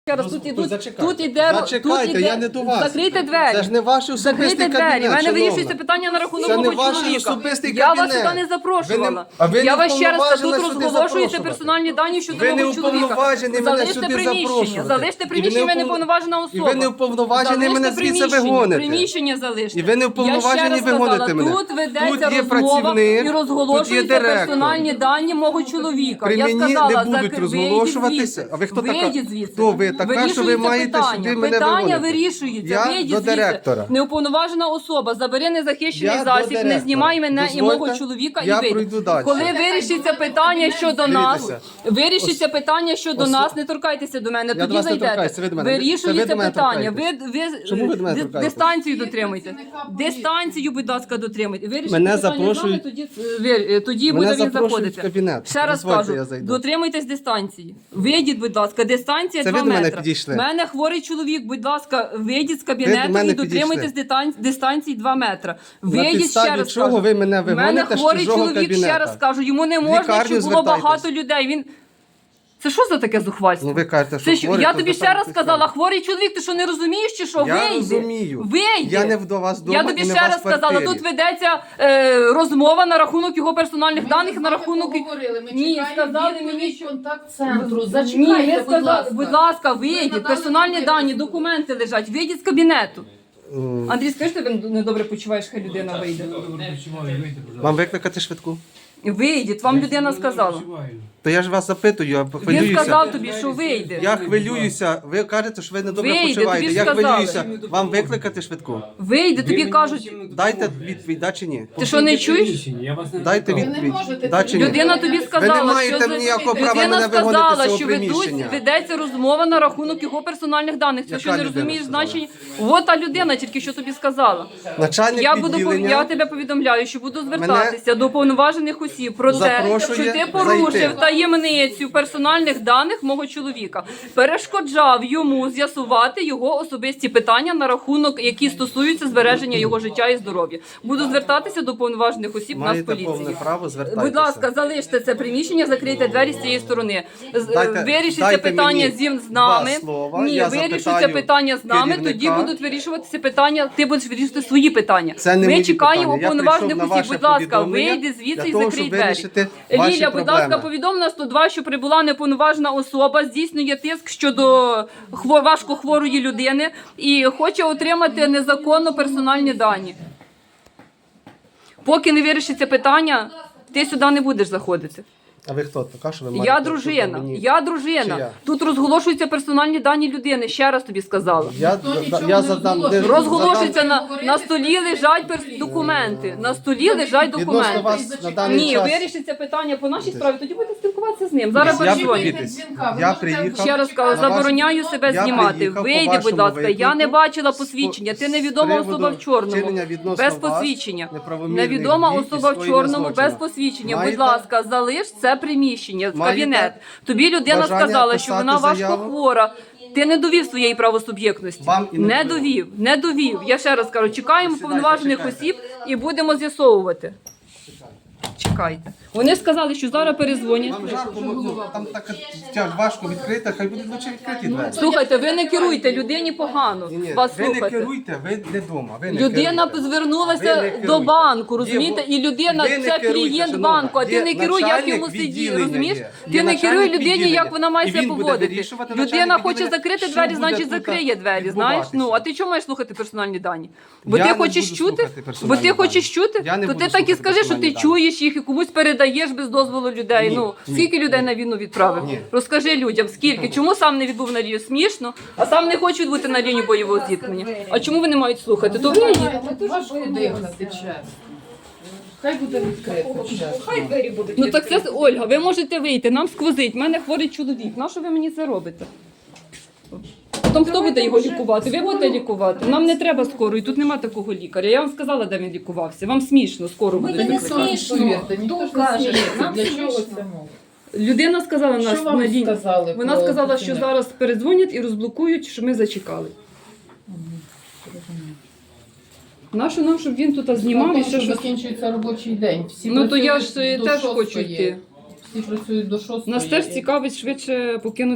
Зачекайте, я не до вас. Закрийте двері. Це ж не ваш особистий кабінет, У мене шановна. вирішується питання на рахунок Це не мого ваш чоловіка. особистий Я вас кабінет. сюди не запрошувала. Ви не Я вас ще раз кажу, уповноважена тут сюди розголошуєте запрошувати. персональні дані щодо Ви не мого чоловіка. уповноважені мене сюди запрошувати. Залиште приміщення, ви не уповноважена особа. І ви не уповноважені мене звідси вигоните. Приміщення залиште. І ви не уповноважені вигоните мене. Тут ведеться Тут є розмова працівник, і тут є розголошуються директор. персональні дані мого чоловіка. При Я мені сказала, не будуть розголошуватися. А ви хто така? Хто ви така, що ви маєте сюди мене Питання виводити? вирішується. Я Вийдіть до звідси. директора. Неуповноважена особа, забери незахищений Я до засіб, не директора. знімай мене і Дозвольте, мого чоловіка я і вийди. пройду далі. Коли вирішиться питання щодо нас, Дивіться. вирішиться питання щодо нас, не торкайтеся до мене, до тоді вас не зайдете. торкаюся, ви до мене. Це ви Вирішується до мене питання. Чому ви до мене торкаєтесь? Дистанцію дотримуйте. Дистанцію, будь ласка, дотримуйте. Вирішите Мене питання з запрошують- нами, тоді Мене буде він запрошують заходити. в кабінет. Ще раз Дозвольте, кажу, я зайду. дотримуйтесь дистанції. Вийдіть, будь ласка, дистанція Це 2 ви до мене метри. підійшли? У мене хворий чоловік, будь ласка, вийдіть з Ви кабінету до мене і дотримуйтесь дистанції 2 метри. Вийдіть, підставі ще раз чого кажу. ви мене У мене вигоните з хворий чужого чоловік, ще кабінета? раз кажу, йому не можна, лікарню щоб було звертайтесь. багато людей. Він... Це що за таке зухвальство? Ну ви кажете, що Це що? хворий, Я то тобі ще раз звертайтесь сказала, далі. хворий чоловік, ти що не розумієш чи що? Я Вийди. розумію. Вийди. Я не до вас дома Я тобі і не ще вас раз в квартирі. сказала, тут ведеться розмова на рахунок його персональних даних, на рахунок... Ні, сказали мені, що... контакт-центру. Ні, Зачекайте, не сказали, будь ласка, вийдіть, персональні дані, документи лежать, вийдіть з кабінету. Андрій, скажи, що ти недобре почуваєш, хай людина вийде. Вам викликати швидку? Вийдіть, вам людина сказала. То я ж вас запитую, я Він хвилююся. сказав тобі, що вийде. Я хвилююся. Ви кажете, що ви недобре Вийди, почуваєте. тобі ж Я сказали. хвилююся. Вам викликати швидку? Вийде, тобі кажуть, Дайте відповідь, да чи ні? ти що не чуєш? Дайте відповідь. Да чи ні? Людина тобі сказала, Ви не маєте що ніякого права людина мене вигонити з сказала, цього що приміщення. ведеться розмова на рахунок його персональних даних. Це Яка що не людина розумієш сказала? значення? От та людина тільки що тобі сказала. Начальник Я відділення тебе повідомляю, що буду звертатися до повноважених осіб про те, запрошує що ти зайти. порушив таємницю персональних даних мого чоловіка, перешкоджав йому з'ясувати його особисті питання на рахунок, які стосуються збереження його життя і здоров'я. Буду звертатися до повноважених осіб маєте Нацполіції. повне право, звертайтеся. Будь ласка, залиште це приміщення, закрийте двері з цієї сторони. Вирішиться дайте питання мені з нами. два слова, Ні, я вирішиться запитаю питання з нами, керівника. тоді будуть вирішуватися питання, ти будеш вирішувати свої питання. Це не Ми мої чекаємо питання. Я уповноважених прийшов на осіб. ваше Будь ласка, повідомлення вийди звідси для і того, закрий щоб двері. вирішити ваші Ліля, будь ласка, проблеми. повідом на 102, що прибула неповноважена особа, здійснює тиск щодо важкохворої людини і хоче отримати незаконно персональні дані. Поки не вирішиться питання, ти сюди не будеш заходити. А ви хто? Така, що ви Я маєте дружина. мені? Я Чи дружина. я? Тут розголошуються персональні дані людини. Ще раз тобі сказала. Я задам... Розголошується на столі лежать документи. На столі лежать Відносно документи. вас на даний Ні, час... вирішиться питання по нашій справі, тоді будете спілкуватися з ним. Зараз Я передзвоню. Я приїхав... Ще раз кажу, на ваш- забороняю себе Я знімати. приїхав по Вийди, будь вашому ласка. Я виклику не бачила з посвідчення. Ти з невідома приводу особа в чорному. вчинення відносно Без вас посвідчення. неправомірних Невідома дій і особа в скоєння чорному злочину. без посвідчення. Будь Маєте ласка, залиш це приміщення, Маєте кабінет. Тобі людина бажання сказала, що вона писати заяву? важкохвора. Ти не довів своєї правосуб'єктності. Вам і не довів. Не довів. Я ще раз кажу, чекаємо повноважених осіб і будемо з'ясовувати. Чекайте. Вони сказали, що зараз перезвонять. Вам жарко, там так важко відкрити, хай будуть лучше відкриті двері. Слухайте, ви не керуйте, людині погано Ні, вас ви не слухати. керуйте, ви не вдома. Людина Ви звернулася не до керуйте. банку, розумієте? І людина Ви не це керуйте, клієнт шановна. банку, а ти Є не керуй, як начальник йому сидіти, відділення розумієш? є. Ти Є не керуй начальник людині, відділення. як вона має І себе він буде поводити. вирішувати, Людина начальник хоче відділення, закрити що двері, буде значить тут закриє двері, знаєш? відбуватися. Ну, а ти чому маєш слухати персональні дані? Бо Я ти не хочеш буду чути? слухати Бо персональні ти хочеш дані. чути? Я не То буду ти так і слухати скажи, що ти персональні дані. чуєш їх і комусь передаєш без дозволу людей. Ну, скільки людей на війну відправив? Ні. Розкажи людям, скільки? Чому сам не відбув на лінію? Смішно, а сам не хоче відбути на лінію бойового зіткнення. А чому вони мають слухати? То ви Важко дихати, чесно. Хай буде відкрито, чесно. Ну так це Ольга, ви можете вийти, нам сквозить, в мене хворий чоловік. Нащо ви мені це робите? Потім хто буде його лікувати? Ви будете лікувати? Нам не треба скорої, тут нема такого лікаря. Я вам сказала, де він лікувався. Вам смішно, скоро буде. Повірте, ніхто ж не сміється. Для чого це мова? Людина сказала нас Що вам на лінії. сказали? Вона про сказала, що кабінет? зараз передзвонять і розблокують, що ми зачекали. Нащо нам, щоб він тут знімав і Тому ще що щось? закінчується робочий день. Всі Ну то я працюють ж до теж 6:00. хочу йти. Всі працюють до 6:00. Нас теж цікавить швидше покинути.